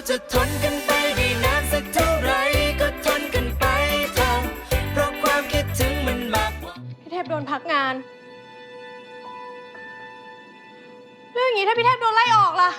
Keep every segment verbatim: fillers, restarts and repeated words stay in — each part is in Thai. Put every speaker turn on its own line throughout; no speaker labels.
จะทนกันไปได้นานสักเท่าไรก็ทนกันไปเถอะเพราะความคิดถึงมันมากกว่า
พี่เทพโดนพักงานเรื่องอย่างนี้ถ้าพี่เทพโดนไล่ออกล่ะ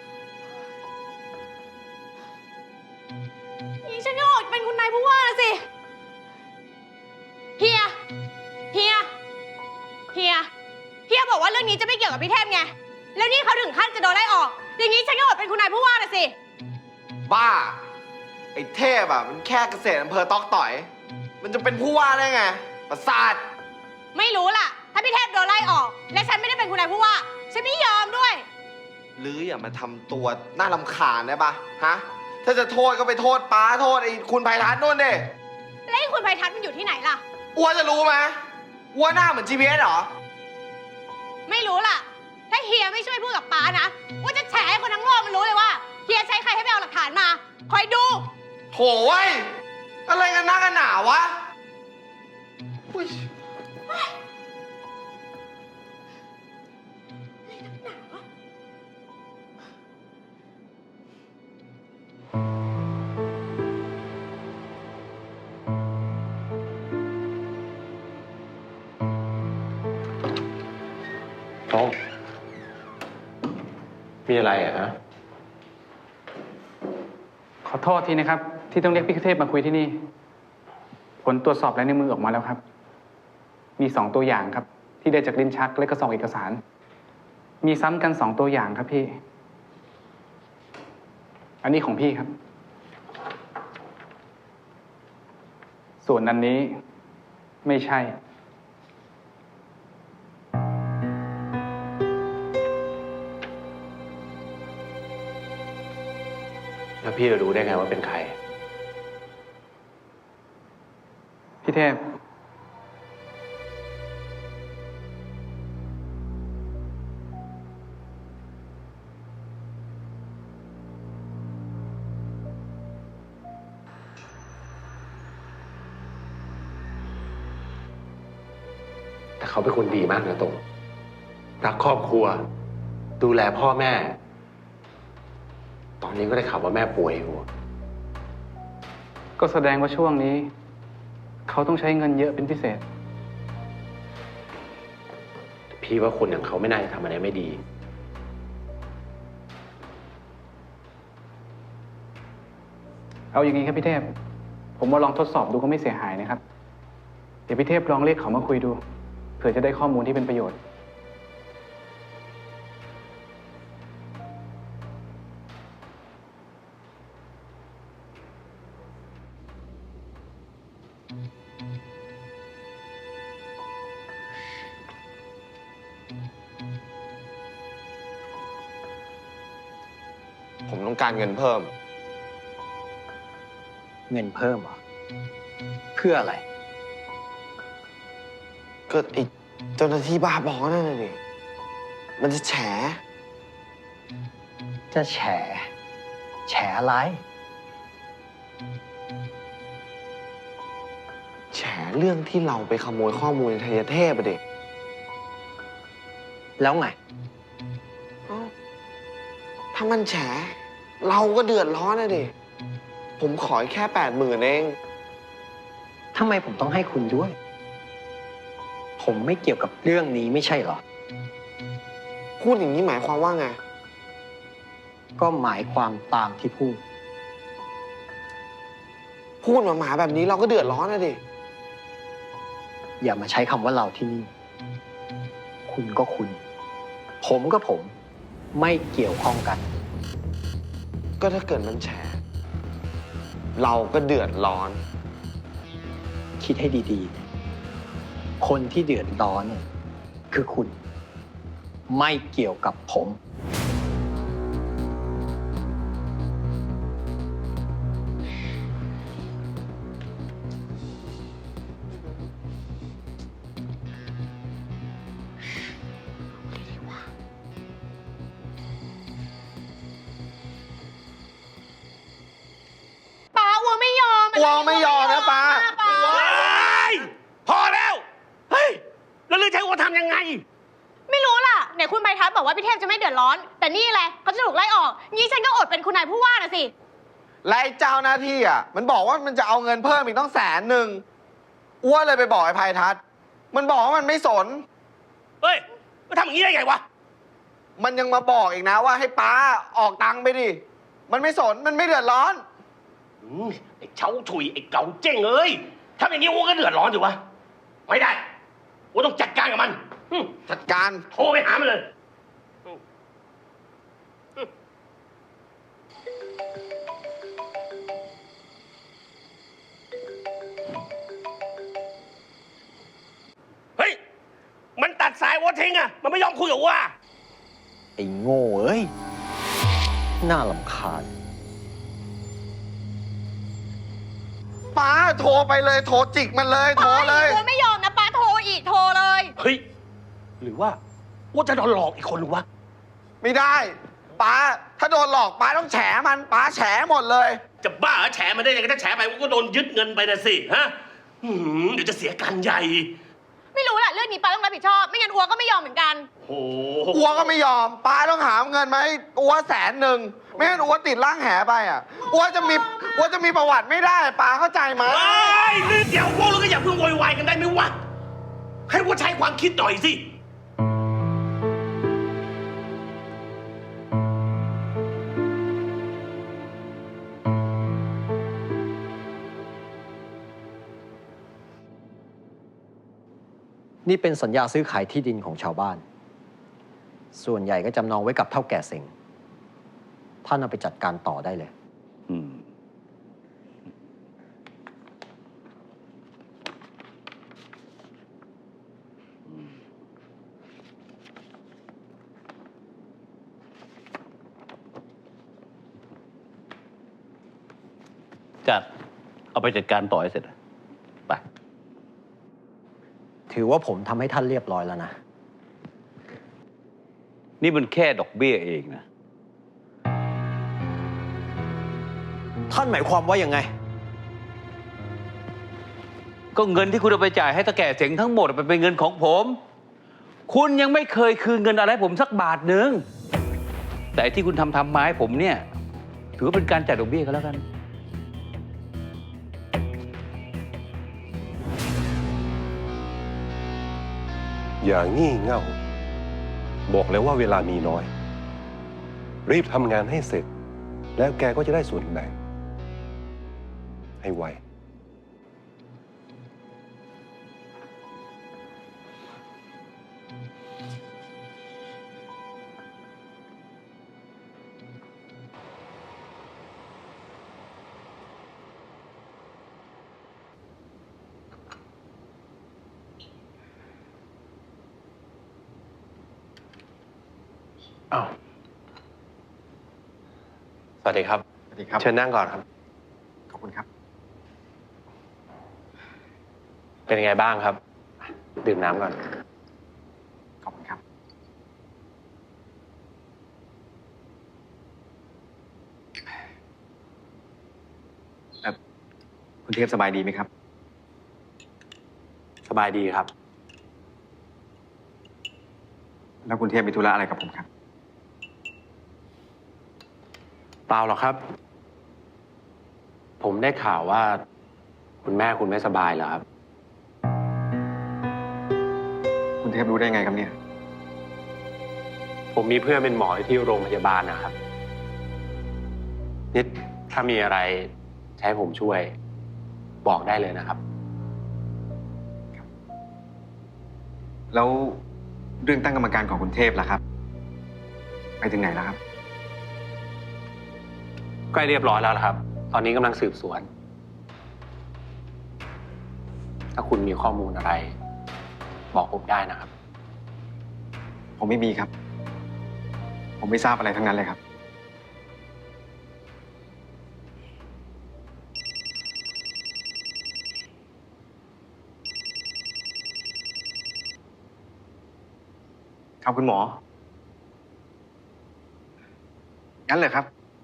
นี่ฉันก็ออกเป็นคุณนายผู้ว่านะสิเฮียเฮียเฮียเฮียบอกว่าเรื่องนี้จะไม่เกี่ยวกับพี่เทพไงแล้วนี่เขาถึงขั้นจะโดนไล่ออกอย่างนี้ฉันก็อดเป็นคุณนายผู้ว่านะสิ
บ้าไอ้เทพอ่ะมันแค่เกษตรอำเภอตอกต่อยมันจะเป็นผู้ว่าได้ไงประสาท
ไม่รู้ล่ะถ้าพี่เทพโดนไล่ออกและฉันไม่ได้เป็นคุณนายผู้ว่าฉันไม่ยอมด้วย
หรืออย่ามาทำตัวน่ารำคาญได้ปะฮะถ้าจะโทษก็ไปโทษป้าโทษไอ้คุณไพทัศน์นู่นดิ
แล้วไอ้คุณไพทัศน์มันอยู่ที่ไหนล่ะ
อ้วนจะรู้ไหมอ้วนหน้าเหมือน จี พี เอส เหรอ
ไม่รู้ล่ะถ้าเฮียไม่ช่วยพูดกับป้านะว่าจะแฉให้คนทั้งโลกมันรู้เลยว่าเฮียใช้ใครให้ไปเอาหลักฐานมาคอยดู
โถ่เว้ยอะไรกันนักกันหนาวะอุ้ย
โต้มีอะไรอ่ะฮะ
ขอโทษทีนะครับที่ต้องเรียกพี่เทพมาคุยที่นี่ผลตรวจสอบลายนิ้วมือออกมาแล้วครับมีสองตัวอย่างครับที่ได้จากลิ้นชักและก็ซองเอกสารมีซ้ำกันสองตัวอย่างครับพี่อันนี้ของพี่ครับส่วนอันนี้ไม่ใช่
แล้วพี่จะรู้ได้ไงว่าเป็นใคร
พี่เทพ
แต่เขาเป็นคนดีมากนะตรงรักครอบครัวดูแลพ่อแม่ตอนนี้ก็ได้ข่าวว่าแม่ป่วยอยู่
ก็แสดงว่าช่วงนี้เขาต้องใช้เงินเยอะเป็นพิเศษ
พี่ว่าคนอย่างเขาไม่น่าจะทำอะไรไม่ดี
เอาอย่างนี้ครับพี่เทพผมว่าลองทดสอบดูก็ไม่เสียหายนะครับเดี๋ยวพี่เทพลองเรียกเขามาคุยดูเผื่อจะได้ข้อมูลที่เป็นประโยชน์
ผมต้องการเงินเพิ่ม
เงินเพิ่มเหรอเพื่ออะไร
ก็ไอ้เจ้าหน้าที่บ้าบอนั่นน่ะดิมันจะแฉ
จะแฉแฉอะไร
แฉเรื่องที่เราไปขโมยข้อมูลในไทยเทพอะเด็ก
แล้วไง
ถ้ามันแฉเราก็เดือดร้อนนะดิผมขอแค่แปดหมื่นเอง
ทำไมผมต้องให้คุณด้วยผมไม่เกี่ยวกับเรื่องนี้ไม่ใช่เหรอ
พูดอย่างนี้หมายความว่าไง
ก็หมายความตามที่พูด
พูดมาหมาแบบนี้เราก็เดือดร้อนนะดิ
อย่ามาใช้คำว่าเราที่นี่คุณก็คุณผมก็ผมไม่เกี่ยวข้องกัน
ก็ถ้าเกิดมันแฉเราก็เดือดร้อน
คิดให้ดีๆคนที่เดือดร้อนเนี่ยคือคุณไม่เกี่ยวกับผม
วอไม่ยอมนะป้า
พอแล้วเฮ้ยแล้วเรื่องใช้วัวทำยังไง
ไม่รู้ล่ะไหนคุณไพทัศน์บอกว่าพี่เทพจะไม่เดือดร้อน แต่นี่แหละเขาจะถูกไล่ออกงี้ฉันก็อดเป็นคุณนายผู้ว่านะสิ
และไอ้เจ้าหน้าที่อ่ะ มันบอกว่ามันจะเอาเงินเพิ่มอีกต้องแสนหนึ่งอ้วนเลยไปบอกไอ้ภัยทัศน์มันบอกว่ามันไม่สน
เฮ้ยมาทำอย่างนี้ได้ไงวะ
มันยังมาบอกอีกนะว่าให้ป้าออกตังค์ไปดิ มันไม่สน มันไม่เดือดร้อน
อืมไอ้เช้าถุยไอ้เก่าเจ้งเอ้ยทำอย่างนี้อ้วก็เดือดร้อนอยู่วะ ไม่ได้อ้วต้องจัดการกับมันอืม
จัดการ
โทรไปหามันเลยอืมอืมเฮ้ย มันตัดสายอ้วทิ้งอะมันไม่ยอมคุยกับอ้ว
ไอ้โง่เอ้ย น่าลำคาญ
ป้าโทรไปเลย โทรจิกมันเลย โทรเลย
ป้าไม่ยอมนะป้าโทรอีกโทรเลย
เฮ้ย หรือว่าอ้วจะโดนหลอกอีกคนหรือวะ
ไม่ได้ ป้า ถ้าโดนหลอกป้าต้องแฉมัน ป้าแฉหมดเลย
จะบ้าเหรอแฉมันได้ยังไงถ้าแฉไปก็โดนยึดเงินไปนะสิฮะอื้อหือเดี๋ยวจะเสียการใหญ่
ไม่รู้แหละเรื่องนี้ป้าต้องรับผิดชอบ ไม่งั้นอัวก็ไม่ยอมเหมือนกัน
โอ้
อัวก็ไม่ยอม ป้าต้องหาเงินมาให้อัวแสนหนึ่ง ไม่งั้นอัวติดร่างแหไปอ่ะอัวจะมีอัวจะมีประวัติไม่ได้ ป้าเข้าใจไหม
ไอ้ยนี่เดี๋ยวพวกเราก็อย่าเพิ่งโวยวายกันได้ไหมวะ ให้ว่าใช้ความคิดหน่อยสิ
นี่เป็นสัญญาซื้อขายที่ดินของชาวบ้าน ส่วนใหญ่ก็จำนองไว้กับเท่าแก่เซ็งท่านเอาไปจัดการต่อได้เลย
อืม จัด เอาไปจัดการต่อให้เสร็จอะไป
ถือว่าผมทำให้ท่านเรียบร้อยแล้วนะ
นี่มันแค่ดอกเบี้ยเองนะ
ท่านหมายความว่ายังไง
ก็เงินที่คุณเอาไปจ่ายให้ตาแก่เจ๋งทั้งหมดมันเป็นเงินของผม คุณยังไม่เคยคืนเงินอะไรให้ผมสักบาทหนึ่ง แต่ไอ้ที่คุณทำทำมาให้ผมเนี่ย ถือว่าเป็นการจ่ายดอกเบี้ยกันแล้วกัน
อย่างงี่เง่า บอกแล้วว่าเวลามีน้อย รีบทำงานให้เสร็จ แล้วแกก็จะได้ส่วนแบ่งให้ไว
อ้าวสวัสดีครับ สวัสดีครับ
เชิญนั่งก่อนครับ
ขอบคุณครับ เป็นยังไงบ้างครับ ดื่มน้ำก่อน ขอบคุณครับ คุณเทพสบายดีไหมครับ สบายดีครับ แล้วคุณเทพมีธุระอะไรกับผมครับ เปล่าหรอกครับ ผมได้ข่าวว่า คุณแม่คุณไม่สบายเหรอครับ คุณเทพรู้ได้ไงครับเนี่ย ผมมีเพื่อนเป็นหมอที่โรงพยาบาลนะครับนิดถ้ามีอะไรจะให้ผมช่วย บอกได้เลยนะครับ แล้วเรื่องตั้งกรรมการของคุณเทพล่ะครับ ไปถึงไหนแล้วครับ ใกล้เรียบร้อยแล้วครับ ตอนนี้กำลังสืบสวน ถ้าคุณมีข้อมูลอะไร บอกผมได้นะครับ ผมไม่มีครับ ผมไม่ทราบอะไรทั้งนั้นเลยครับ ครับคุณหมอ งั้นเลยครับ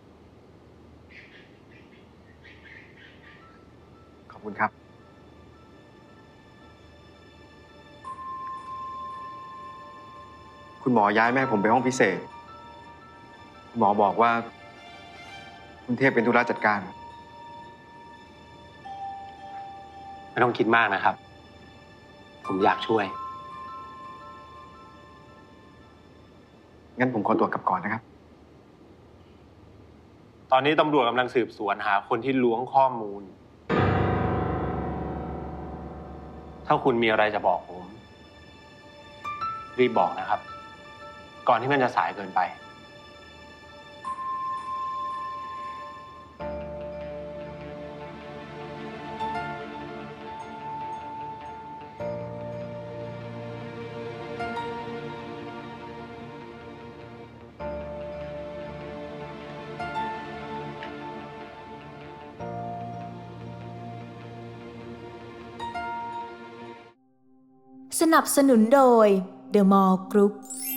ขอบคุณครับ คุณคุณหมอย้ายแม่ผมไปห้องพิเศษ คุณหมอบอกว่า คุณเทพเป็นธุระจัดการไม่ต้องคิดมากนะครับ ผมอยากช่วย งั้นผมขอตัวกลับก่อนนะครับ
ตอนนี้ตำรวจกำลังสืบสวนหาคนที่ล้วงข้อมูล ถ้าคุณมีอะไรจะบอกผม รีบบอกนะครับ ก่อนที่มันจะสายเกินไป
สนับสนุนโดย The Mall Group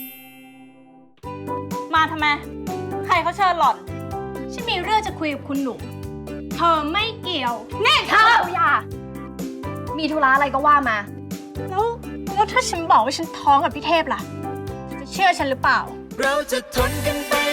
มาทำไม ใครเขาเชิญหล่อนฉันมีเรื่องจะคุยกับคุณหนู เธอไม่เกี่ยวแน่เธออย่ามีธุระอะไรก็ว่ามา แล้ว แล้วถ้าฉันบอกว่าฉันท้องกับพี่เทพล่ะ จะเชื่อฉันหรือเปล่า
เราจะทนกันไป